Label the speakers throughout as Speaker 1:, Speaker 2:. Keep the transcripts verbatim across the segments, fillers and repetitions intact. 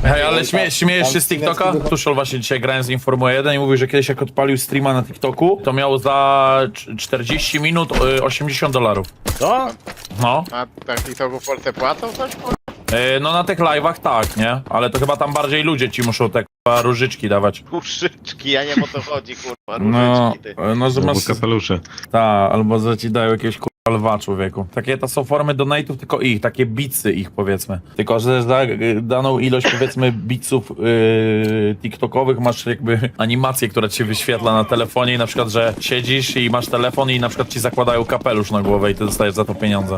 Speaker 1: Hej, ale śmie śmiejesz się z TikToka? Tuszol właśnie dzisiaj grałem z Informuła jeden i mówił, że kiedyś jak odpalił streama na TikToku, to miał za czterdzieści minut y, osiemdziesiąt dolarów.
Speaker 2: Co?
Speaker 1: No.
Speaker 3: A tak TikToku w Polsce płacą coś? kurwa?
Speaker 1: Y, no na tych live'ach tak, nie? Ale to chyba tam bardziej ludzie ci muszą te k***a różyczki dawać.
Speaker 3: Kuszyczki, ja nie wiem o to chodzi, kurwa,
Speaker 1: No,
Speaker 3: różyczki ty.
Speaker 1: no że masz...
Speaker 4: kapelusze.
Speaker 1: Ta, albo że ci dają jakieś k***a lwa, człowieku. Takie to są formy donate'ów, tylko ich, takie bitsy ich powiedzmy. Tylko, że za daną ilość powiedzmy bitsów yy, tiktokowych masz jakby animację, która ci się wyświetla na telefonie i na przykład, że siedzisz i masz telefon i na przykład ci zakładają kapelusz na głowę i ty dostajesz za to pieniądze.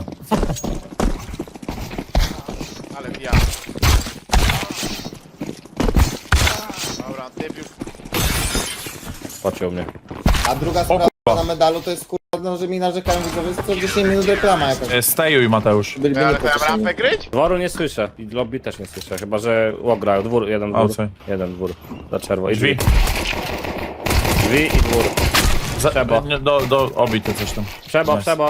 Speaker 3: Ale ja. Dobra, debiut.
Speaker 2: Pociął mnie.
Speaker 5: A druga sprawa na medalu to jest kurwa, no, że mi narzekają widzowie, że co dziesięć minut reklama jakaś.
Speaker 1: E, Stejuj, Mateusz.
Speaker 5: Byliby
Speaker 3: Ale to ja mam
Speaker 5: niepocieszeni.
Speaker 3: rampę gryć?
Speaker 2: Dworu nie słyszę. I lobby też nie słyszę. Chyba, że łok grają. Dwór, jeden dwór.
Speaker 1: Outside.
Speaker 2: Jeden dwór. Za czerwo. I
Speaker 1: Drzwi.
Speaker 2: drzwi. Drzwi i dwór.
Speaker 1: Za,
Speaker 2: Trzeba.
Speaker 1: nie, do, do obity coś tam.
Speaker 2: Przebo,
Speaker 1: Nice.
Speaker 2: przebo.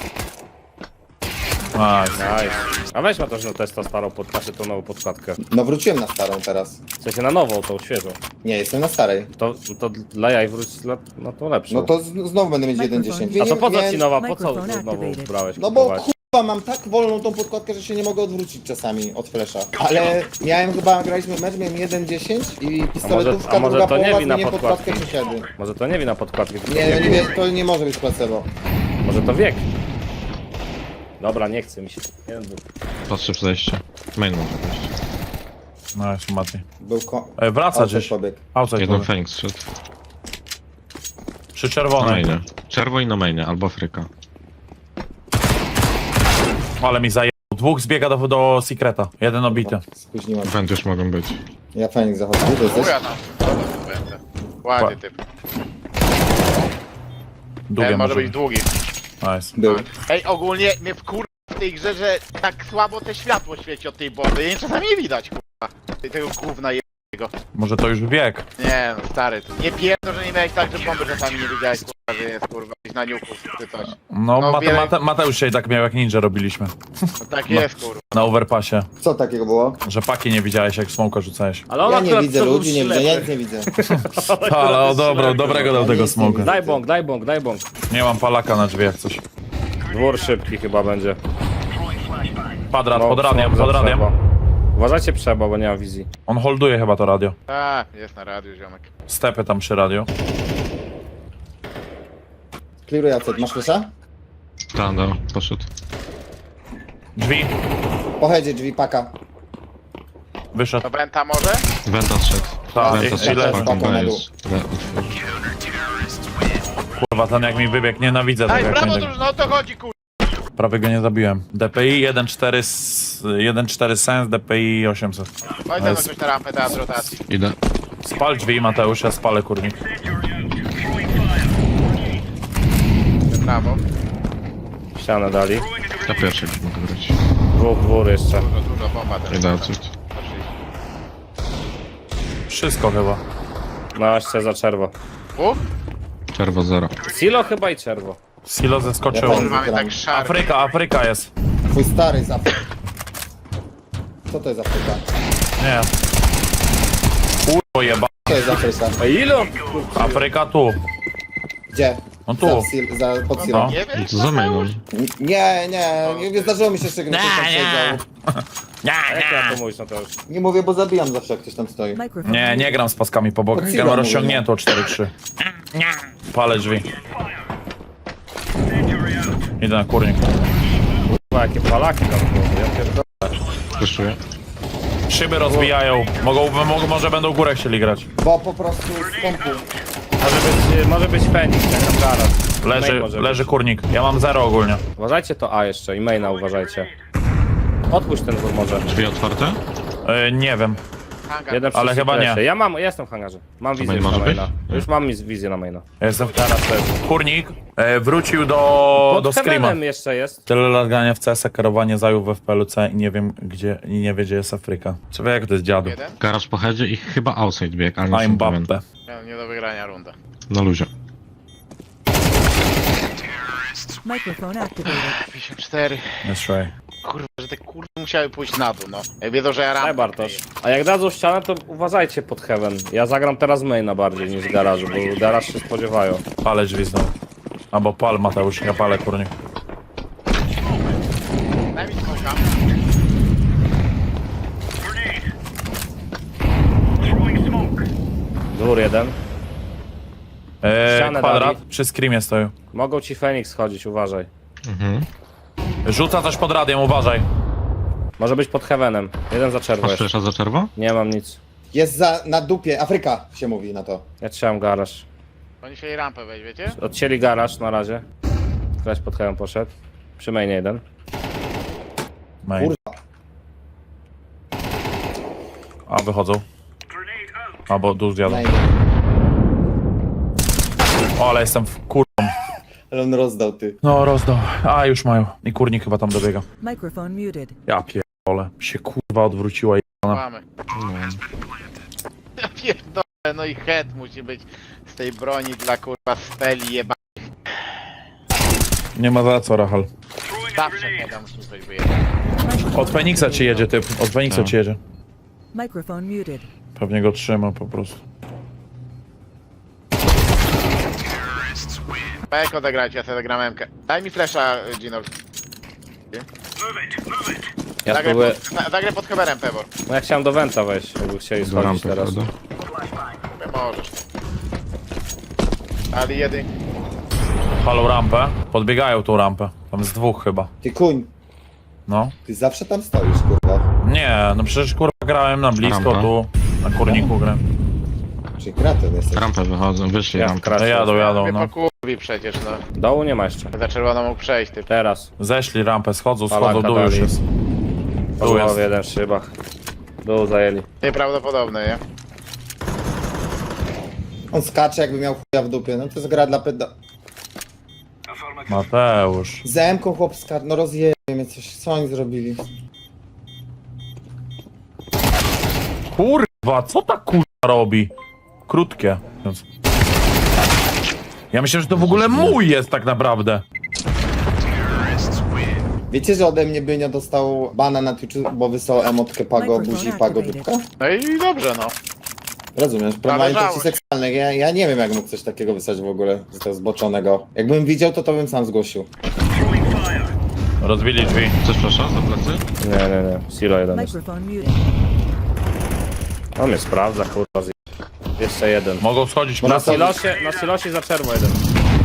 Speaker 1: Nice.
Speaker 2: Nice. A weź ma też no testa starą pod, znaczy tą nową podkładkę.
Speaker 5: No wróciłem na starą teraz.
Speaker 2: W sensie na nową, tą świeżą.
Speaker 5: Nie, jestem na starej.
Speaker 2: To, to dla jaj wróć na, na tą lepszą.
Speaker 5: No to z, znowu będę mieć jeden dziesięć.
Speaker 2: A to po co
Speaker 5: Miałem-
Speaker 2: ci nowa? Po co
Speaker 6: Microphone
Speaker 2: znowu
Speaker 6: activated.
Speaker 2: brałeś?
Speaker 5: No bo
Speaker 2: kupować?
Speaker 5: kurwa mam tak wolną tą podkładkę, że się nie mogę odwrócić czasami od flesza. Ale miałem chyba, graliśmy mecz, miałem jeden dziesięć i pistoletówka,
Speaker 2: a może
Speaker 5: druga
Speaker 2: to nie
Speaker 5: połowa
Speaker 2: wina
Speaker 5: zmienię podkładkę
Speaker 2: podkładki?
Speaker 5: przesiady.
Speaker 2: Może to nie wina podkładki, tylko
Speaker 5: Nie, no
Speaker 2: wiek.
Speaker 5: nie, wie- to nie może być placebo.
Speaker 2: Może to wiek. Dobra, nie chce mi się. Jeden dwór.
Speaker 4: Patrzę przejście. Main może wejść.
Speaker 1: Nice, Mati.
Speaker 5: Był ko...
Speaker 1: E, wraca
Speaker 5: Outside
Speaker 1: gdzieś.
Speaker 5: pobieg.
Speaker 1: Outside
Speaker 4: Jeden
Speaker 1: pobieg.
Speaker 4: Fenix szedł.
Speaker 1: Przy
Speaker 4: Na
Speaker 1: czerwonej.
Speaker 4: mainie. Czerwo i na mainie, albo Afryka.
Speaker 1: Ale mi zajęło. Dwóch zbiega do, do Secreta. Jeden obity.
Speaker 5: Spóźniłem.
Speaker 4: Węd już mogą być.
Speaker 5: Ja Fenix zachodzę. Gdzie ty jesteś?
Speaker 3: Chuja tam. Dobra, to będę. Ładnie typ.
Speaker 1: Długie
Speaker 3: Ten może
Speaker 1: może
Speaker 3: być długi.
Speaker 1: Nice.
Speaker 5: Był.
Speaker 3: Ej, ogólnie mnie wkur... w tej grze, że tak słabo te światło świeci od tej bomby. Jej czasami nie widać, kurwa. Tego gówna jednego.
Speaker 1: Może to już wiek.
Speaker 3: Nie no, stary, to nie pierdol, że nie miałeś tak, że bomby czasami nie widziałeś, kurwa, że jest, kurwa, gdzieś na niuku czy coś.
Speaker 1: No,
Speaker 3: No,
Speaker 1: Mate,
Speaker 3: wiele-
Speaker 1: Mate, Mateusz dzisiaj tak miał jak ninja robiliśmy.
Speaker 3: No tak jest, kurwa.
Speaker 1: Na overpassie.
Speaker 5: Co takiego było?
Speaker 1: Że paki nie widziałeś jak smoka rzucałeś.
Speaker 2: Ale on
Speaker 5: Ja nie
Speaker 2: akurat
Speaker 5: widzę
Speaker 2: to był
Speaker 5: ludzi, nie widzę, ja
Speaker 2: ślepy.
Speaker 5: nic nie widzę.
Speaker 1: Ale o dobro, dobrego dał
Speaker 5: Ja
Speaker 1: tego
Speaker 5: nic nie
Speaker 1: smoka.
Speaker 5: widzę.
Speaker 2: Daj bąk, daj bąk, daj bąk.
Speaker 1: Nie mam palaka na drzwiach coś.
Speaker 2: Dwór szybki chyba będzie.
Speaker 1: Kwadrat,
Speaker 2: No,
Speaker 1: pod radiem,
Speaker 2: smok za
Speaker 1: pod radiem.
Speaker 2: przebo. Uważajcie przebo, bo nie ma wizji.
Speaker 1: On holduje chyba to radio.
Speaker 3: A, jest na radiu, ziomek.
Speaker 1: Stepy tam przy radio.
Speaker 5: Clearuj Jacek, masz flesza?
Speaker 4: Ta, no, poszedł.
Speaker 1: Drzwi.
Speaker 5: Pochedzie drzwi, paka.
Speaker 1: Wyszedł.
Speaker 3: To Benta może?
Speaker 4: Wenta zszedł.
Speaker 1: Tak,
Speaker 4: Wenta
Speaker 1: i-
Speaker 4: zszedł.
Speaker 1: ile-
Speaker 4: Fucking
Speaker 5: Spoko, na
Speaker 4: B
Speaker 5: dół.
Speaker 4: jest. B otworzył.
Speaker 1: Kurwa, ten jak mi wybiegł, nienawidzę
Speaker 3: Daj,
Speaker 1: tego jak
Speaker 3: brawo,
Speaker 1: mnie
Speaker 3: drużyno, o to chodzi, kurwa.
Speaker 1: Prawie go nie zabiłem. D P I jeden cztery s- jeden cztery Sens, D P I osiemset.
Speaker 3: Chodź tam coś na rampę, teraz rotacji.
Speaker 4: Idę.
Speaker 1: Spal drzwi, Mateusz, ja spalę kurnik.
Speaker 3: Brawo.
Speaker 2: Ścianę dali.
Speaker 4: Ja pierwszy mogę grać.
Speaker 2: Dwóch, dwór jeszcze.
Speaker 3: Dużo, dużo bomba teraz.
Speaker 4: Idę odsuć.
Speaker 1: Wszystko chyba.
Speaker 2: No, jeszcze za czerwo.
Speaker 3: Uch,
Speaker 4: Czerwo zero.
Speaker 2: Silo chyba i czerwo.
Speaker 1: Silo zeskoczyło.
Speaker 5: Ja
Speaker 3: kurwa, mnie tak szarpie.
Speaker 1: Afryka, Afryka jest.
Speaker 5: Twój stary z Afryki. Co to jest Afryka?
Speaker 1: Nie. Kurwa jeba.
Speaker 5: Co jest Afryka?
Speaker 2: A ilo?
Speaker 1: Afryka tu.
Speaker 5: Gdzie?
Speaker 1: No tu.
Speaker 5: Za, sil- za, pod silą.
Speaker 1: No.
Speaker 3: Nie wiem,
Speaker 4: Co za mainą?
Speaker 5: Nie, nie, nie, nie zdarzyło mi się jeszcze, gdy ktoś tam siedział.
Speaker 2: A jak ja to mówisz, no to już.
Speaker 5: Nie mówię, bo zabijam zawsze, jak ktoś tam stoi.
Speaker 6: Microphone
Speaker 1: Nie, nie gram z paskami po bokach.
Speaker 5: Pod
Speaker 1: Ja mam
Speaker 5: silą
Speaker 1: rozciągniętą cztery trzy. Palę drzwi. Idę na kurnik.
Speaker 2: Kurwa, jakie palaki tam było. Ja pierdolę.
Speaker 4: Wyszuję.
Speaker 1: Szyby rozbijają. Mogą, mogą, może będą górę chcieli grać.
Speaker 5: Bo po prostu z pompu.
Speaker 2: Może być, może być Fenix, jak tam zaraz.
Speaker 1: Leży,
Speaker 2: Main może
Speaker 1: leży
Speaker 2: być.
Speaker 1: kurnik. Ja mam zero ogólnie.
Speaker 2: Uważajcie to A jeszcze i maina uważajcie. Odpuść ten dwór może.
Speaker 4: Drzwi otwarte?
Speaker 1: Yy, nie wiem.
Speaker 3: hangar.
Speaker 2: Jeden przy
Speaker 1: Ale chyba nie.
Speaker 2: secrecie. Ja mam, ja jestem w hangarze. Mam wizję
Speaker 4: main
Speaker 2: już na
Speaker 4: może być?
Speaker 2: maina. Już mam mi wizję na maina.
Speaker 1: Ja jestem teraz też. Kurnik e, wrócił do,
Speaker 2: Pod
Speaker 1: do Screama.
Speaker 2: Heavenem jeszcze jest.
Speaker 1: Tyle lat grania w C S, kierowanie zajął w F P L C i nie wiem gdzie, i nie wie gdzie jest Afryka. Czy wie jak to jest dziadu?
Speaker 3: Jeden?
Speaker 4: Garaż po headzie i chyba outside bieg, ale nie
Speaker 1: I'm
Speaker 4: jestem pewien.
Speaker 1: Bappe.
Speaker 3: Nie, nie do wygrania runda.
Speaker 4: Na luzie.
Speaker 6: Microphone activated.
Speaker 3: pięćdziesiąt cztery.
Speaker 1: That's right.
Speaker 3: Kurwa, że te kurde musiały pójść na dół, no. Jak wiedzą, że ja
Speaker 2: Daj
Speaker 3: rampę
Speaker 2: Bartosz.
Speaker 3: kryję.
Speaker 2: A jak dadzą ścianę, to uważajcie pod heaven. Ja zagram teraz maina bardziej niż garażu, bo garaż się spodziewają.
Speaker 1: Palę drzwi znowu. Albo pal Mateusz, ja palę kurnik.
Speaker 3: Daj mi smoka.
Speaker 2: Dwór jeden.
Speaker 1: Eee,
Speaker 2: Ścianę
Speaker 1: kwadrat,
Speaker 2: dali.
Speaker 1: przy screamie stoją.
Speaker 2: Mogą ci Feniks chodzić, uważaj.
Speaker 4: Mhm.
Speaker 1: Rzuca coś pod radiem, uważaj.
Speaker 2: Może być pod heavenem. Jeden za czerwo
Speaker 4: Masz
Speaker 2: jest.
Speaker 4: flesza za czerwo?
Speaker 2: Nie mam nic.
Speaker 5: Jest za, na dupie, Afryka się mówi na to.
Speaker 2: Ja trzymam garaż.
Speaker 3: Oni się jej rampę weź, wiecie?
Speaker 2: Odcięli garaż na razie. Ktoś pod heaven poszedł. Przy mainie jeden.
Speaker 1: Main.
Speaker 5: Kurwa.
Speaker 1: A, wychodzą. Albo dół zjadą.
Speaker 5: Naj- O,
Speaker 1: O, ale jestem w kur...
Speaker 5: Ale on rozdał, ty.
Speaker 1: No, rozdał. A, już mają. I kurnik chyba tam dobiega.
Speaker 6: Microphone muted.
Speaker 1: Ja pierdolę. Się kurwa odwróciła i...
Speaker 3: Mamy. Ja pierdolę, no i head musi być z tej broni dla kurwa speli jeba.
Speaker 1: Nie ma za co, Rachel.
Speaker 3: Zawsze heada musi coś wyjechać.
Speaker 1: Od Feniksa ci jedzie typ. Od Feniksa
Speaker 4: Tak.
Speaker 1: ci jedzie.
Speaker 6: Microphone muted.
Speaker 1: Pewnie go trzyma po prostu.
Speaker 3: Pek odegrajcie, ja sobie zagram M-kę. Daj mi flesza, Ginol.
Speaker 2: Ja
Speaker 3: Zagraj
Speaker 2: spróbuję...
Speaker 3: pod, za- zagraj pod heberem, Pebor.
Speaker 2: No ja chciałem do Wenta wejść, jakby chcieli
Speaker 4: Do
Speaker 2: schodzić
Speaker 4: rampy,
Speaker 2: teraz.
Speaker 4: prawda?
Speaker 3: Możesz. Ali jedy.
Speaker 1: Palą rampę. Podbiegają tą rampę. Tam z dwóch chyba.
Speaker 5: Ty kuń,
Speaker 1: No.
Speaker 5: ty zawsze tam stoisz, kurwa.
Speaker 1: Nie, no przecież kurwa grałem na blisko
Speaker 4: Rampa.
Speaker 1: tu. Na kurniku grałem.
Speaker 5: Czyli kreatyw jesteś.
Speaker 4: Rampę wychodzą, wyszli
Speaker 2: Ja
Speaker 4: rampę.
Speaker 2: wkraczam.
Speaker 1: No jadą, jadą,
Speaker 3: Mnie
Speaker 1: no.
Speaker 3: pokurwi przecież, no.
Speaker 2: Dołu nie ma jeszcze.
Speaker 3: Za czerwoną mógł przejść, ty.
Speaker 2: Teraz.
Speaker 1: Zeszli rampę, schodzą, schodzą,
Speaker 2: Palanka
Speaker 1: dół już
Speaker 2: dali.
Speaker 1: jest. Tu
Speaker 2: Dół
Speaker 1: jest.
Speaker 2: jeden w szybach. Dół zajęli.
Speaker 3: Nieprawdopodobne, nie?
Speaker 5: On skacze jakby miał chuja w dupie, no to jest gra dla peda...
Speaker 1: Mateusz.
Speaker 5: Z M-ką chłop skacze, no rozjebie mnie coś, co oni zrobili?
Speaker 1: Kurwa, co ta kurwa robi? Krótkie. Więc- Ja myślę, że to w ogóle mój jest tak naprawdę.
Speaker 5: Wiecie, że ode mnie Bynio dostał bana na Twitchu, bo wysłał emotkę Pago buzi i Pago dupka?
Speaker 3: No i dobrze, no.
Speaker 5: Rozumiesz, promowanie
Speaker 3: Należało
Speaker 5: treści seksualnych. Ja, ja nie wiem, jak mógł coś takiego wysłać w ogóle, z tego zboczonego. Jakbym widział, to to bym sam zgłosił.
Speaker 1: Rozbili drzwi.
Speaker 4: Chcesz flesza za plecy?
Speaker 2: Nie, nie, nie. Silo jeden jest.
Speaker 6: Microphone muted.
Speaker 2: On mnie sprawdza, kurwa. zje- Jeszcze jeden.
Speaker 1: Mogą schodzić
Speaker 5: Bo
Speaker 2: Na
Speaker 1: na
Speaker 2: silosie, na silosie za czerwo jeden.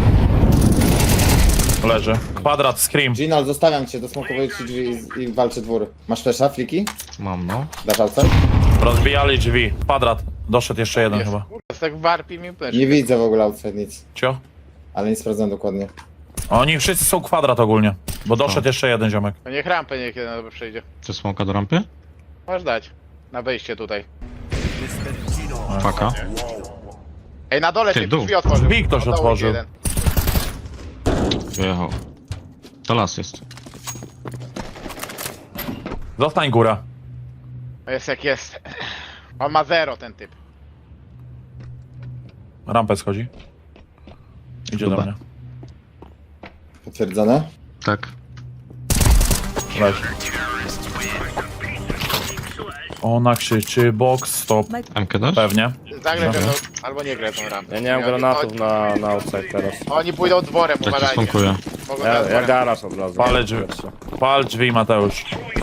Speaker 1: leży. Kwadrat, scream.
Speaker 5: Ginal, zostawiam cię, dosmokowuję ci drzwi i, i walczy dwór. Masz flesza, fliki?
Speaker 4: Mam, no.
Speaker 5: Dasz outside?
Speaker 1: Rozbijali drzwi. Kwadrat. Doszedł jeszcze jeden
Speaker 3: Jest,
Speaker 1: chyba.
Speaker 3: kurwa, jest tak warpi mi plesz.
Speaker 5: Nie widzę w ogóle outside nic,
Speaker 1: Cio?
Speaker 5: ale nie sprawdzam dokładnie.
Speaker 1: Oni wszyscy są kwadrat ogólnie. Bo doszedł jeszcze jeden ziomek.
Speaker 3: To niech rampę niech jeden dobry przejdzie.
Speaker 4: Chcesz smoka do rampy?
Speaker 3: Możesz dać. Na wejście tutaj.
Speaker 4: Paka.
Speaker 3: Ej, na dole
Speaker 4: Ty,
Speaker 3: się
Speaker 4: dół.
Speaker 3: drzwi otworzył.
Speaker 1: Drzwi ktoś
Speaker 3: Na dołu
Speaker 1: otworzył.
Speaker 3: jeden.
Speaker 4: Wyjechał. To las jest.
Speaker 1: Zostań góra.
Speaker 3: No jest jak jest. On ma zero, ten typ.
Speaker 1: Rampę schodzi. Idzie do
Speaker 4: Chyba.
Speaker 1: mnie.
Speaker 5: Potwierdzone?
Speaker 4: Tak.
Speaker 1: Leży. Ona krzyczy box stop.
Speaker 4: M K dasz?
Speaker 1: Pewnie.
Speaker 3: Zagraj
Speaker 1: Dobra.
Speaker 3: pewno, albo nie graj tą rampę.
Speaker 2: Ja nie mam
Speaker 3: Oni-
Speaker 2: granatów
Speaker 3: oni-
Speaker 2: na, na outside teraz.
Speaker 3: Oni pójdą dworem,
Speaker 4: Tak ci
Speaker 3: uważajcie.
Speaker 4: smokuję.
Speaker 3: Mogą
Speaker 2: Ja,
Speaker 3: na
Speaker 2: ja
Speaker 3: dworem.
Speaker 2: garaż od razu.
Speaker 1: Palę drzwi. Pal drzwi, Mateusz.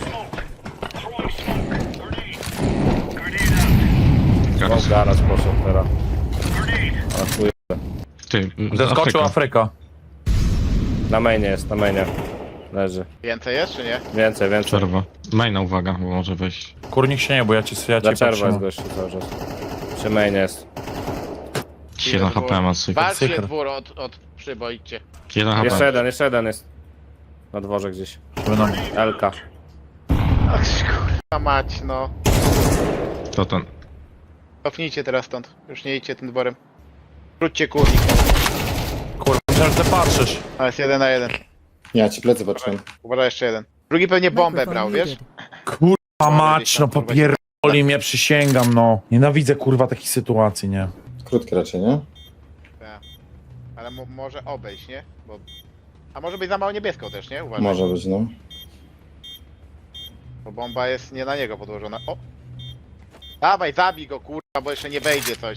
Speaker 2: O,
Speaker 4: Garaż.
Speaker 2: garaż poszedł teraz. A chuj.
Speaker 4: Ty,
Speaker 1: Zeskoczył
Speaker 4: Afryka.
Speaker 1: Afryka.
Speaker 2: Na mainie jest, na mainie. Leży.
Speaker 3: Więcej jest, czy nie?
Speaker 2: Więcej, więcej.
Speaker 4: Czerwo. Maina, uwaga, bo może wejść.
Speaker 1: Kurnik się nie, bo ja ci ja
Speaker 2: Za
Speaker 1: cię
Speaker 2: czerwo jest
Speaker 1: patrzę.
Speaker 2: gościu cały czas. Przy mainie jest.
Speaker 4: jeden H P ma syk.
Speaker 3: Walczcie
Speaker 1: Syker.
Speaker 3: dwór od, od przybo, idźcie.
Speaker 4: jeden H
Speaker 2: Jeszcze
Speaker 4: P.
Speaker 2: jeden, jeszcze jeden jest. Na dworze gdzieś.
Speaker 1: Będą...
Speaker 2: Elka.
Speaker 3: Ach, kurwa mać, no.
Speaker 4: To ten.
Speaker 3: Cofnijcie teraz stąd. Już nie idźcie tym dworem. Wróćcie kurnik.
Speaker 1: Kurwa, myślałem, że ty patrzysz.
Speaker 3: A jest jeden na jeden.
Speaker 5: Ja ci plecy patrzyłem.
Speaker 3: Uważaj, jeszcze jeden. Drugi pewnie bombę brał,
Speaker 6: Microphone
Speaker 3: wiesz?
Speaker 6: muted.
Speaker 1: Kurwa mać, no popierdoli mnie, przysięgam, no. Nienawidzę kurwa takich sytuacji, nie?
Speaker 5: Krótkie raczej, nie?
Speaker 3: Tak. Ale mo może obejść, nie? Bo... A może być za mało niebieską też, nie? Uważaj.
Speaker 5: Może być, no.
Speaker 3: Bo bomba jest nie na niego podłożona. O! Dawaj, zabij go, kurwa, bo jeszcze nie wejdzie coś.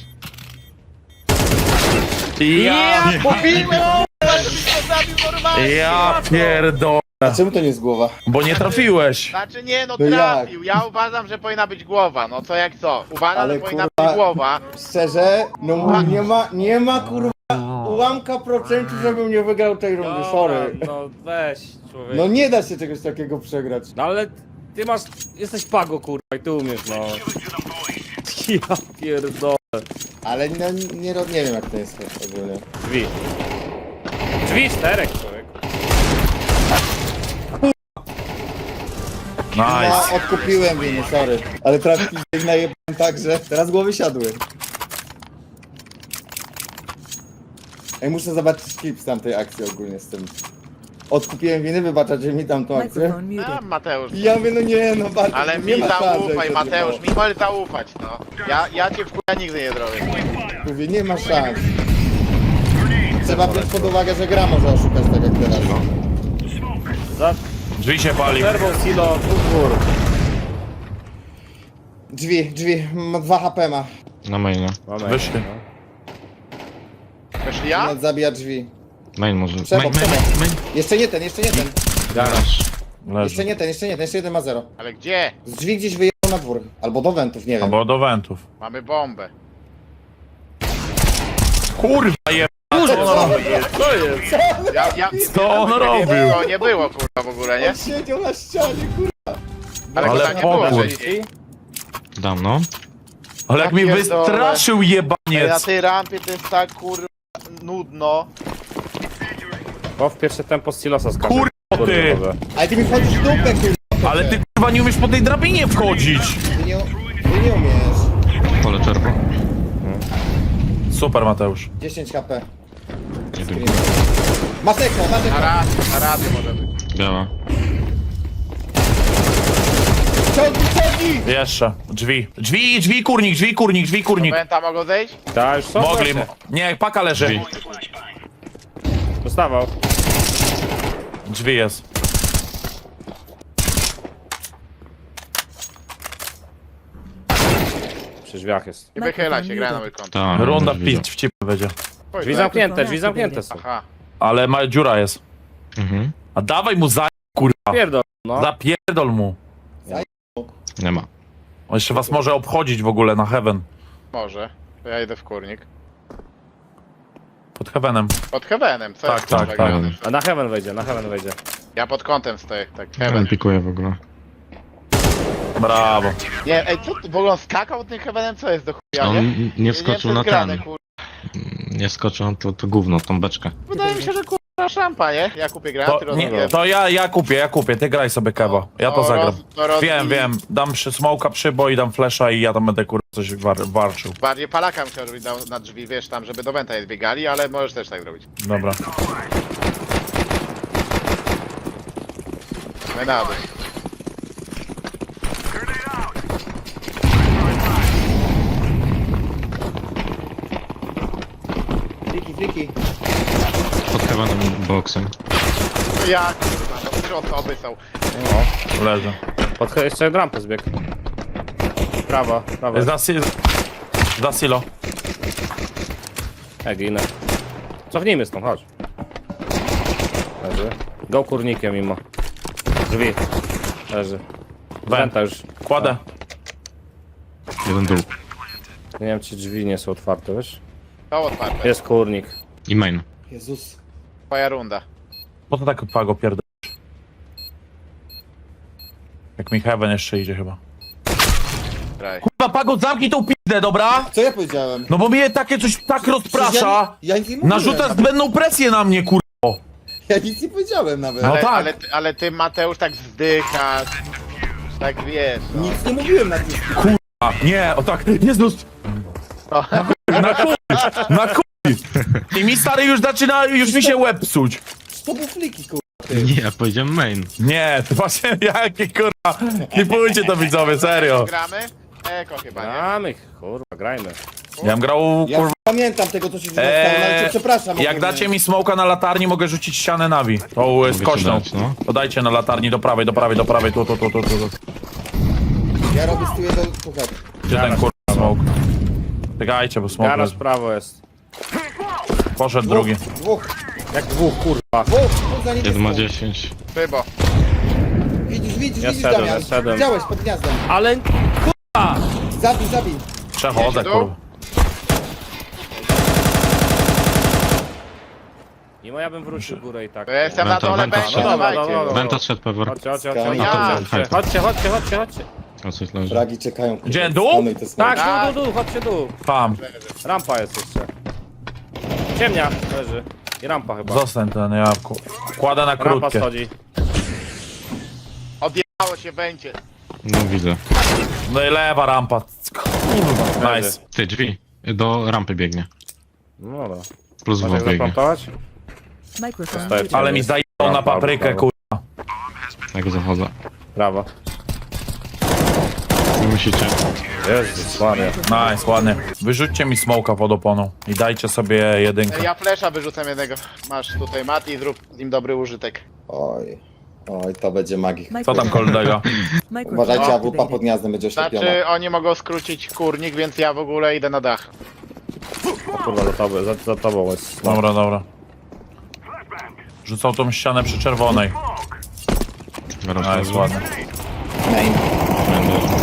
Speaker 1: Ja,
Speaker 3: Mówiłem, kurwa, żebyś go zabił normalnie!
Speaker 1: ja pierdolę.
Speaker 5: A czemu to nie jest głowa?
Speaker 1: Bo nie trafiłeś.
Speaker 3: Znaczy nie, no
Speaker 5: No
Speaker 3: trafił. Ja uważam, że powinna być głowa. No co jak co? Uważam,
Speaker 5: Ale
Speaker 3: że powinna
Speaker 5: kurwa-
Speaker 3: być głowa.
Speaker 5: Szczerze, no mówię, nie ma, nie ma kurwa ułamka procentu, żebym nie wygrał tej rundy, sorry.
Speaker 2: no weź, człowiek.
Speaker 5: No nie da się czegoś takiego przegrać.
Speaker 2: No ale ty masz, jesteś pago kurwa i ty umiesz, no. Ja pierdolę.
Speaker 5: Ale no, nie, ro- nie wiem jak to jest ogólnie.
Speaker 2: Drzwi. Drzwi czterech, człowiek.
Speaker 5: No,
Speaker 1: Nice.
Speaker 5: odkupiłem winy, sorry. Ale trafki ich najebałem tak, że teraz głowy siadły. Ej, muszę zobaczyć klip z tamtej akcji ogólnie z tym. Odkupiłem winy, wybaczacie mi tamtą akcję?
Speaker 6: Microphone
Speaker 3: A,
Speaker 6: muted.
Speaker 3: Mateusz.
Speaker 5: I ja mówię, no nie, no bardzo,
Speaker 3: Ale
Speaker 5: nie
Speaker 3: mi
Speaker 5: ma szans,
Speaker 3: zaufaj,
Speaker 5: żeby
Speaker 3: Mateusz,
Speaker 5: to
Speaker 3: mi możesz zaufać, no. Ja, ja cię w chuja nigdy nie zrobię.
Speaker 5: było. Mówię, nie ma szans. Trzeba wziąć pod uwagę, że gra może oszukać tak jak teraz.
Speaker 2: Za
Speaker 1: Drzwi się pali.
Speaker 2: przerwą silo, dwóch gór.
Speaker 5: Drzwi, drzwi, ma dwa H P ma.
Speaker 4: Na mainie.
Speaker 2: Mamy.
Speaker 1: Wyszli.
Speaker 3: Weszli ja?
Speaker 5: Nad zabija drzwi.
Speaker 4: Main może.
Speaker 5: Przebo,
Speaker 4: Main, main,
Speaker 5: przebo.
Speaker 4: main, main.
Speaker 5: Jeszcze nie ten, jeszcze nie ten.
Speaker 4: Garaż.
Speaker 5: Jeszcze
Speaker 1: Leży.
Speaker 5: nie ten, jeszcze nie ten, jeszcze jeden ma zero.
Speaker 3: Ale gdzie?
Speaker 5: Z drzwi gdzieś wyjechał na dwór. Albo do wentów, nie wiem.
Speaker 1: Albo do wentów.
Speaker 3: Mamy bombę.
Speaker 1: Kurwa je...
Speaker 2: Co jest?
Speaker 3: Ja, ja,
Speaker 1: Co on
Speaker 3: ja,
Speaker 1: robił?
Speaker 3: To nie było, kurwa, w ogóle, nie?
Speaker 5: On siedział na ścianie, kurwa.
Speaker 3: Ale,
Speaker 1: Ale
Speaker 3: ale nie było
Speaker 1: pokój.
Speaker 3: wcześniej.
Speaker 4: Dam, no.
Speaker 1: Ale jak
Speaker 3: Ja
Speaker 1: mi
Speaker 3: pierdolę.
Speaker 1: wystraszył
Speaker 3: Ale na
Speaker 1: jebaniec.
Speaker 3: tej rampie to jest tak, kurwa, nudno.
Speaker 2: Bo w pierwsze tempo z silosa skacze.
Speaker 1: Kurwa ty.
Speaker 2: Kurde,
Speaker 5: Ale ty mi wchodzisz w dupę, kurwa.
Speaker 1: Ale ty kurwa nie umiesz po tej drabinie wchodzić.
Speaker 5: Ty nie, ty nie umiesz.
Speaker 4: Pole czerwo.
Speaker 1: Super Mateusz.
Speaker 5: dziesięć H P.
Speaker 4: Jeden.
Speaker 5: Masz ekran, masz
Speaker 3: Na
Speaker 5: ekran.
Speaker 3: raz, na razy może być.
Speaker 4: Biała.
Speaker 5: Ciągnij, ciągnij!
Speaker 1: Jeszcze. Drzwi. Drzwi, drzwi, kurnik, drzwi, kurnik, drzwi, kurnik.
Speaker 3: Pęta mogą zejść?
Speaker 2: Ta już są
Speaker 1: Mogli.
Speaker 2: wreszcie.
Speaker 1: Nie, paka leży.
Speaker 4: Drzwi.
Speaker 2: Dostawał.
Speaker 1: Drzwi jest.
Speaker 2: Przy drzwiach jest.
Speaker 3: Nie wychyla się, gra na mój kąt.
Speaker 4: Ta,
Speaker 1: Runda
Speaker 4: już widzę.
Speaker 1: pić w cipę będzie.
Speaker 2: Drzwi zamknięte, drzwi zamknięte są.
Speaker 3: Aha.
Speaker 1: Ale ma, dziura jest.
Speaker 4: Mhm.
Speaker 1: A dawaj mu za... kurwa.
Speaker 2: Pierdol, no.
Speaker 1: Zapierdol mu.
Speaker 4: Nie ma.
Speaker 1: On jeszcze was może obchodzić w ogóle na heaven.
Speaker 3: Może. To ja idę w kurnik.
Speaker 1: Pod heavenem.
Speaker 3: Pod heavenem, co
Speaker 1: Tak,
Speaker 3: jest
Speaker 1: tak,
Speaker 3: kurwa,
Speaker 1: tak.
Speaker 3: grane?
Speaker 2: A na heaven wejdzie, na heaven wejdzie.
Speaker 3: Ja pod kątem stoję, tak,
Speaker 4: Heaven
Speaker 3: heaven.
Speaker 4: pikuje w ogóle.
Speaker 1: Brawo.
Speaker 3: Nie, ej, co ty, w ogóle on skakał tym heavenem? Co jest do chuja,
Speaker 4: On
Speaker 3: nie?
Speaker 4: n- nie wskoczył na ten.
Speaker 3: Kur...
Speaker 4: Nie wskoczył na to, to gówno, tą beczkę.
Speaker 3: Wydaje mi się, że kurwa szampa, nie? Ja kupię granaty,
Speaker 1: To, nie,
Speaker 3: rozumiem.
Speaker 1: to ja, ja kupię, ja kupię. Ty graj sobie kewo. Ja to
Speaker 3: To
Speaker 1: zagram.
Speaker 3: roz- to roz-
Speaker 1: Wiem, wiem. Dam przy smoka przybo i dam flesza i ja tam będę kurwa coś war, warczył.
Speaker 3: Bardziej palaka bym chciał, żeby dał na drzwi, wiesz, tam, żeby do wenta je zbiegali, ale możesz też tak zrobić.
Speaker 1: Dobra.
Speaker 3: My na dół.
Speaker 5: Fliki, fliki.
Speaker 4: Pod heavenem boksem.
Speaker 3: Ja kurwa, no trzy osoby są.
Speaker 1: Leży.
Speaker 2: Pod jeszcze jeden rampę zbieg. Prawa, prawa.
Speaker 1: Za, si za silo.
Speaker 2: Ej, ginę. Cofnijmy stąd, chodź. Leży. Go kurnikiem mimo. Drzwi. Leży. Wenta już.
Speaker 1: Kładę.
Speaker 4: Jeden dół.
Speaker 2: Nie wiem, czy drzwi nie są otwarte, wiesz?
Speaker 3: To otwarte.
Speaker 2: Jest kurnik.
Speaker 4: I main.
Speaker 5: Jezus.
Speaker 3: Twoja runda.
Speaker 1: Po to tak pago pierdol. Jak mi heaven jeszcze idzie chyba.
Speaker 3: Graj.
Speaker 1: Kurwa, pago, zamknij tą pizdę, dobra?
Speaker 5: Co ja powiedziałem?
Speaker 1: No bo mnie takie coś tak rozprasza.
Speaker 5: Ja, ja nic nie mówiłem.
Speaker 1: Narzuca zbędną presję na mnie, kurwa.
Speaker 5: Ja nic nie powiedziałem nawet.
Speaker 1: No
Speaker 3: Ale,
Speaker 1: tak.
Speaker 3: ale, ale ty, Mateusz, tak zdychasz. Tak wiesz, no.
Speaker 5: Nic nie mówiłem na tym.
Speaker 1: A, nie, o tak, Jezus.
Speaker 3: No.
Speaker 1: Na chuj, na chuj. I mi stary już zaczyna, już mi się łeb psuć.
Speaker 5: To był fliki, kurwa.
Speaker 4: Nie, ja powiedziałem main.
Speaker 1: Nie, to właśnie, jakie kurwa, klipujcie to widzowie, serio.
Speaker 3: Gramy? Eko chyba, nie?
Speaker 2: Gramy, kurwa, grajmy.
Speaker 1: Ja bym grał,
Speaker 5: Ja
Speaker 1: kurwa,
Speaker 5: pamiętam tego, co się dzieje,
Speaker 1: Eee,
Speaker 5: ale cię przepraszam.
Speaker 1: jak
Speaker 5: ogólnie.
Speaker 1: dacie mi smoka na latarni, mogę rzucić ścianę nawi. Tą y, z
Speaker 4: ci
Speaker 1: kośną.
Speaker 4: dać, no.
Speaker 1: To dajcie na latarni do prawej, do prawej, do prawej, tu, tu, tu, tu, tu. tu.
Speaker 5: Ja robię stuję do kuchet.
Speaker 1: Gdzie ten kurwa smok? Czekajcie, bo smok
Speaker 2: Garaż
Speaker 1: leży.
Speaker 2: prawo jest.
Speaker 1: Poszedł drugi.
Speaker 5: Dwóch,
Speaker 2: Jak dwóch, kurwa.
Speaker 5: dwóch, dwóch za
Speaker 4: Jeden ma
Speaker 5: niebieską.
Speaker 4: dziesięć.
Speaker 3: Chyba.
Speaker 5: Widzisz, widzisz,
Speaker 2: Ja
Speaker 5: widzisz,
Speaker 2: szedłem,
Speaker 5: Damian.
Speaker 2: ja szedłem.
Speaker 5: Widziałeś pod gniazdem.
Speaker 2: Ale
Speaker 5: Zabij, zabij.
Speaker 1: Przechodzę,
Speaker 3: Jedzie tu?
Speaker 1: kurwa.
Speaker 2: i ja bym wrócił w górę i tak.
Speaker 3: To ja jestem na
Speaker 4: Wenta,
Speaker 3: dole,
Speaker 4: wenta
Speaker 3: będzie,
Speaker 4: wszedł.
Speaker 3: dawajcie.
Speaker 2: Dobra, dobra.
Speaker 4: Wenta szedł pewor.
Speaker 2: Chodźcie, chodźcie, chodźcie,
Speaker 5: Skania.
Speaker 2: chodźcie, chodźcie, chodźcie, chodźcie, chodźcie, chodźcie.
Speaker 4: O, coś leży.
Speaker 5: Fragi czekają. kurwa.
Speaker 1: Gdzie, dół?
Speaker 5: Skanuj te smoki.
Speaker 2: Tak, dół, dół, dół, chodźcie dół.
Speaker 1: Tam.
Speaker 2: Rampa jest jeszcze. Ciemnia leży. I rampa chyba.
Speaker 1: Zostań ten, ja ku- kładę na
Speaker 2: Rampa
Speaker 1: krótkie.
Speaker 2: schodzi.
Speaker 3: Odjechało się będzie.
Speaker 4: No widzę.
Speaker 1: No i lewa rampa. Kurwa, nice.
Speaker 4: Ty, drzwi. Do rampy biegnie.
Speaker 2: No dobra.
Speaker 4: Plus
Speaker 2: Masz
Speaker 4: dwóch
Speaker 2: jak
Speaker 4: biegnie.
Speaker 2: zaplantować?
Speaker 6: Microphone
Speaker 2: Zostaje
Speaker 6: muted.
Speaker 1: Ale mi zajęło na
Speaker 2: Rampa,
Speaker 1: paprykę,
Speaker 2: brawo.
Speaker 1: kurwa.
Speaker 4: Jak zachodzę.
Speaker 2: Brawo.
Speaker 4: Nie musicie.
Speaker 2: Jezus Maria.
Speaker 1: Nice, ładnie. Wyrzućcie mi smoka pod oponą i dajcie sobie jedynkę.
Speaker 3: Ja flesza wyrzucam jednego. Masz tutaj Mati, zrób z nim dobry użytek.
Speaker 5: Oj, oj, to będzie magik.
Speaker 1: Co tam koldega?
Speaker 6: Microphone
Speaker 5: Uważajcie, A W P
Speaker 6: activated.
Speaker 5: pod gniazdem będzie oślepiona.
Speaker 3: Znaczy, oni mogą skrócić kurnik, więc ja w ogóle idę na dach.
Speaker 2: O kurwa, za tobą, za, za tobą jest.
Speaker 1: Dobra, dobra. Rzucał tą ścianę przy czerwonej.
Speaker 4: Garaż
Speaker 1: Nice,
Speaker 4: leży.
Speaker 1: ładnie.
Speaker 5: Main.
Speaker 4: Będę.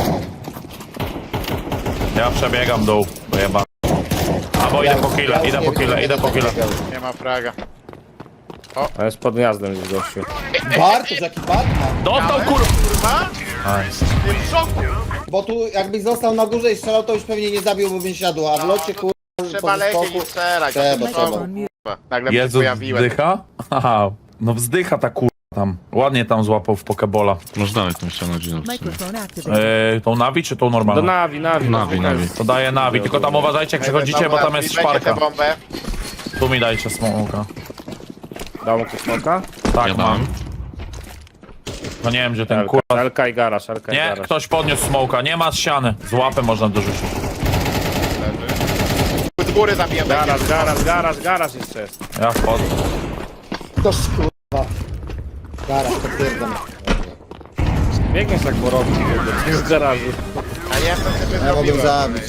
Speaker 1: Ja przebiegam dół, bo jeba. Albo idę po kile,
Speaker 5: Ja już
Speaker 1: idę
Speaker 5: nie
Speaker 1: po
Speaker 5: widzę,
Speaker 1: kile,
Speaker 5: nie
Speaker 1: idę po
Speaker 5: będę
Speaker 1: kile.
Speaker 5: biegał.
Speaker 3: Nie ma fraga.
Speaker 2: A jest pod gniazdem gdzieś gościu.
Speaker 5: Bartosz, jaki Batman.
Speaker 1: Dostał kur...
Speaker 3: Kurwa?
Speaker 1: Nice.
Speaker 3: Ty w szoku!
Speaker 5: Bo tu jakbyś został na górze i strzelał, to już pewnie nie zabiłby bym siadł, a w locie kur...
Speaker 3: Trzeba lecieć i strzelać.
Speaker 5: Trzeba,
Speaker 3: No to
Speaker 5: trzeba.
Speaker 3: szoku, kurwa. Nagle się
Speaker 1: Jezu,
Speaker 3: pojawiłem.
Speaker 1: wzdycha? Aha, no wzdycha ta kurwa tam. Ładnie tam złapał w pokebola.
Speaker 4: Może dalej tą ścianę Gino w sumie.
Speaker 6: Microphone activated.
Speaker 1: Eee, tą nawi czy tą
Speaker 2: Do
Speaker 1: normalną?
Speaker 2: nawi, nawi.
Speaker 4: Nawi, nawi.
Speaker 1: To daje nawi, tylko tam uważajcie jak przechodzicie, bo tam jest
Speaker 3: Weźcie tę
Speaker 1: szparka.
Speaker 3: bombę.
Speaker 1: Tu mi dajcie smoka.
Speaker 2: Dał mu ktoś smoka?
Speaker 1: Tak,
Speaker 4: Ja
Speaker 1: mam.
Speaker 4: dałem.
Speaker 1: No nie wiem gdzie ten
Speaker 2: Elka,
Speaker 1: kurwa...
Speaker 2: Elka i garaż, Elka i
Speaker 1: Nie,
Speaker 2: garaż.
Speaker 1: ktoś podniósł smoka, nie ma ściany. Z łapy można dorzucić.
Speaker 3: Z góry zabiję będzie.
Speaker 2: Garaż, garaż, garaż, garaż jeszcze jest.
Speaker 1: Ja wchodzę.
Speaker 5: Toż kurwa. Zaraz, potwierdzam.
Speaker 2: Biegniesz jak porobić z garażu.
Speaker 3: A ja to sobie
Speaker 5: Ja mogę
Speaker 3: zrobiłem.
Speaker 5: zabić.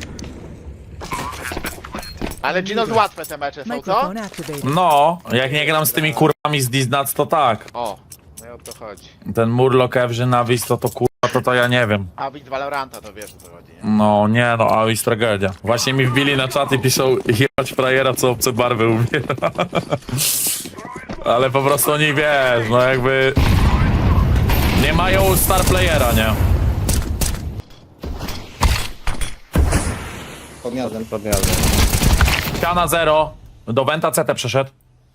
Speaker 3: Ale Gino, łatwe te mecze są, co?
Speaker 6: Microphone activated.
Speaker 1: No, jak nie gram z tymi kurwami z Diznac, to tak.
Speaker 3: O, no i o to chodzi.
Speaker 1: Ten Murloc, Evrzy, Navis, to to kurwa, to to ja nie wiem.
Speaker 3: A widz Valoranta to wiesz o co chodzi, nie?
Speaker 1: No nie no, Avis tragedia. Właśnie mi wbili na czat i piszą jebać frajera, co obce barwy umiera. Ale po prostu oni wiesz, no jakby... Nie mają star playera, nie?
Speaker 5: Pod gniazdem.
Speaker 2: Pod gniazdem.
Speaker 1: Ściana zero. Do Venta C T przeszedł.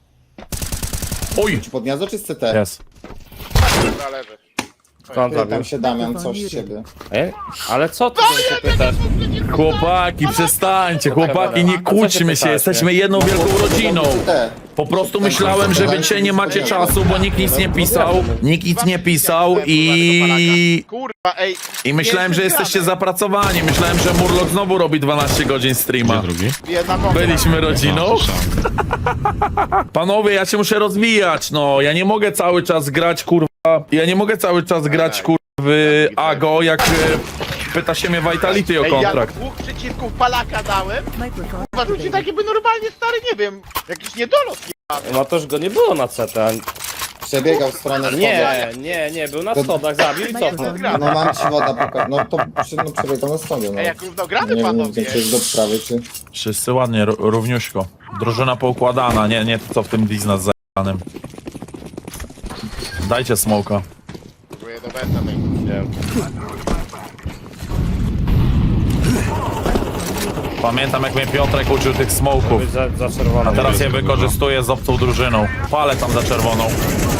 Speaker 1: Uj!
Speaker 5: Czy pod gniazdo, czy z C T?
Speaker 1: Jest.
Speaker 3: Dobra, leży.
Speaker 2: Skąd
Speaker 5: Pytam
Speaker 2: zabił?
Speaker 5: się Damian, coś z ciebie.
Speaker 2: Ej, ale co ty się pytasz?
Speaker 1: Chłopaki, przestańcie, chłopaki, nie
Speaker 2: A co się
Speaker 1: kłóćmy się,
Speaker 2: pytacie?
Speaker 1: jesteśmy jedną wielką rodziną.
Speaker 5: C T.
Speaker 1: Po prostu myślałem, że wy dzisiaj nie macie czasu, bo nikt nic nie pisał, nikt nic nie pisał i...
Speaker 3: Kurwa, ej.
Speaker 1: I myślałem, że
Speaker 3: Pierwszy
Speaker 1: jesteście
Speaker 3: gramy.
Speaker 1: zapracowani, myślałem, że Murloc znowu robi dwanaście godzin
Speaker 4: Gdzie
Speaker 1: streama.
Speaker 4: drugi?
Speaker 3: Jedna bomba.
Speaker 1: Byliśmy rodziną.
Speaker 4: No, słyszałem.
Speaker 1: Panowie, ja się muszę rozwijać, no, ja nie mogę cały czas grać, kurwa, ja nie mogę cały czas grać, kurwa, w Ago, jak e, pyta się mnie Vitality o
Speaker 3: Ej, ja
Speaker 1: kontrakt.
Speaker 3: dwóch przeciwków Palaka dałem.
Speaker 6: Microphone
Speaker 3: Chyba rzuci
Speaker 6: activated.
Speaker 3: tak jakby normalnie stary, nie wiem, jakiś niedolot jebany.
Speaker 2: No toż go nie było na C T.
Speaker 5: Przebiegał w stronę
Speaker 2: Nie, nie, nie, był na schodach, zabił i cofnął.
Speaker 6: Microphone
Speaker 5: No mam ci woda pokazać. No to przy, no, przebiegał na stronie, no.
Speaker 3: Ej, jak równogramy
Speaker 5: Nie wiem,
Speaker 3: panowie.
Speaker 5: czy jest do sprawy, czy...
Speaker 1: Wszyscy ładnie, ró- równiuśko. Drużyna poukładana, nie, nie to co w tym Disney z zajanym. Dajcie smoka.
Speaker 3: Próbuję do Benta tej.
Speaker 2: Nie wiem.
Speaker 1: Pamiętam jak mnie Piotrek uczył tych smoków.
Speaker 2: Być za, za czerwoną.
Speaker 1: A teraz je wykorzystuję z obcą drużyną. Palę tam za czerwoną.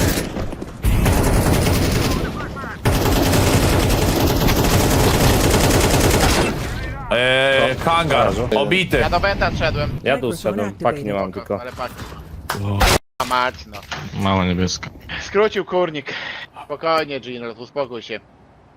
Speaker 1: Eee, hangar, obity.
Speaker 3: Ja do Benta szedłem.
Speaker 2: Ja tu zszedłem, paki nie mam tylko.
Speaker 3: Ale pak. A mać, no.
Speaker 4: Mała niebieska.
Speaker 3: Skrócił kurnik. Spokojnie, Gino, uspokój się.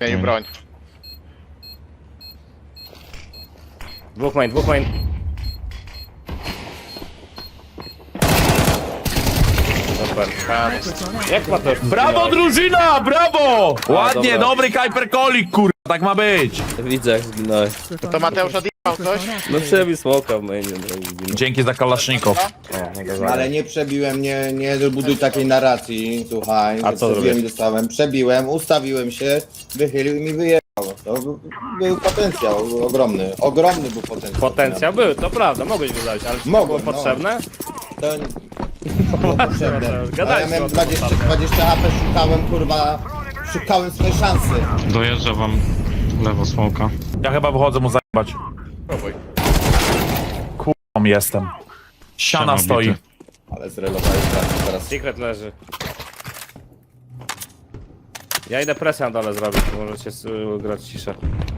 Speaker 3: Zmienił broń.
Speaker 2: Dwóch main, dwóch main. Super.
Speaker 6: Microphone activated.
Speaker 2: Jak ma to?
Speaker 1: Brawo drużyna, brawo! Ładnie,
Speaker 2: dobra.
Speaker 1: dobry Kajperkolik, kurwa, tak ma być.
Speaker 2: Widzę jak zginąłeś.
Speaker 3: To Mateusz odjechał coś?
Speaker 2: No przebił smoka w mainie, no i zginął.
Speaker 1: Dzięki za kalasznikow.
Speaker 2: O, mogę zagrać.
Speaker 5: Ale nie przebiłem, nie, nie buduj takiej narracji, słuchaj.
Speaker 2: A
Speaker 5: że
Speaker 2: co
Speaker 5: przebiłem
Speaker 2: zrobiłeś?
Speaker 5: i dostałem. Przebiłem, ustawiłem się, wychylił i mi wyjechał. To był, był potencjał, był ogromny. Ogromny był potencjał.
Speaker 2: Potencjał był, to prawda, mogłeś go dać, ale czy to było
Speaker 5: Mogłem, no.
Speaker 2: potrzebne?
Speaker 5: To nie było potrzebne.
Speaker 2: Gadaj
Speaker 5: A ja miałem
Speaker 2: z tobą,
Speaker 5: dwadzieścia,
Speaker 2: naprawdę.
Speaker 5: dwadzieścia A P, szukałem kurwa, szukałem swojej szansy.
Speaker 4: Dojeżdża wam lewo smoka.
Speaker 1: Ja chyba wychodzę mu zajebać.
Speaker 3: Próbuj.
Speaker 1: Kurwa jestem. Siana
Speaker 4: Siana
Speaker 1: stoi.
Speaker 4: bity.
Speaker 5: Ale zrelowałeś teraz. teraz.
Speaker 2: Secret leży. Ja idę presję na dole zrobić, możecie y, grać ciszę.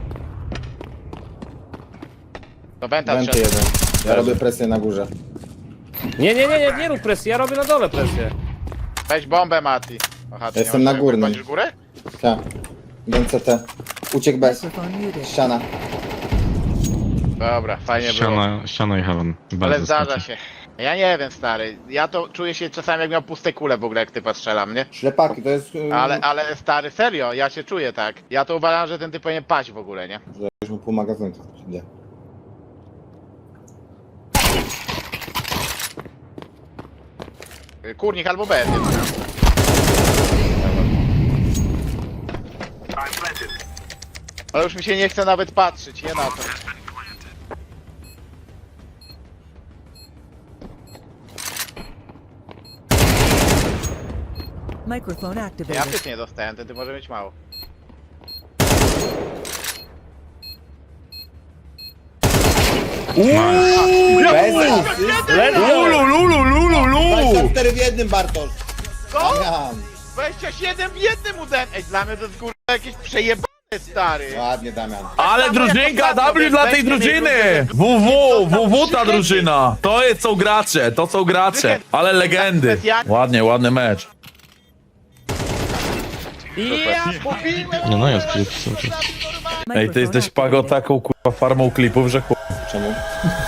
Speaker 3: To Wenta
Speaker 5: Wenty
Speaker 3: trzeba.
Speaker 5: jeden. Ja robię presję na górze.
Speaker 2: Nie, nie, nie, nie, nie rób presji, ja robię na dole presję.
Speaker 3: Weź bombę, Mati. Aha, ty
Speaker 5: Jestem
Speaker 3: nie
Speaker 5: na
Speaker 3: masz-
Speaker 5: górnym.
Speaker 3: Wchodzisz w górę?
Speaker 5: Tak. Wiem C T. Uciekł bez.
Speaker 6: Microphone muted.
Speaker 5: Ściana.
Speaker 3: Dobra, fajnie było.
Speaker 4: Ściana, ściana i heaven. Bez
Speaker 3: Ale zdarza
Speaker 4: zaskoczy.
Speaker 3: się. Ja nie wiem, stary. Ja to czuję się czasami jak miał puste kule w ogóle, jak typa strzelam, nie?
Speaker 5: Ślepaki, to jest... yy,
Speaker 3: Ale, ale stary, serio, ja się czuję tak. Ja to uważam, że ten typ powinien paść w ogóle, nie?
Speaker 5: Że już mu pół magazynka. Idzie.
Speaker 3: Kurnik albo B. nie? Ale już mi się nie chce nawet patrzeć, nie na to.
Speaker 6: Microphone
Speaker 3: Ja
Speaker 6: activated.
Speaker 3: też nie dostałem, ten ty może mieć mało.
Speaker 5: Bez asysty.
Speaker 1: Lulu, lulu, lulu, lulu.
Speaker 5: dwadzieścia cztery w jednym, Bartosz.
Speaker 3: Co?
Speaker 5: Damian.
Speaker 3: dwadzieścia siedem w jednym udem! Ej, dla mnie to jest kurwa jakieś przejebane, stary!
Speaker 5: Ładnie, Damian.
Speaker 1: Ale drużynka, W dla tej drużyny! W W, W W ta drużyna! To jest, są gracze, to są gracze. Ale legendy. Ładnie, ładny mecz.
Speaker 3: Ja mówiłem!
Speaker 4: Nie no, jest klip cały czas.
Speaker 1: Ej, ty jesteś pago taką kurwa farmą klipów, że chuj.
Speaker 5: Czemu?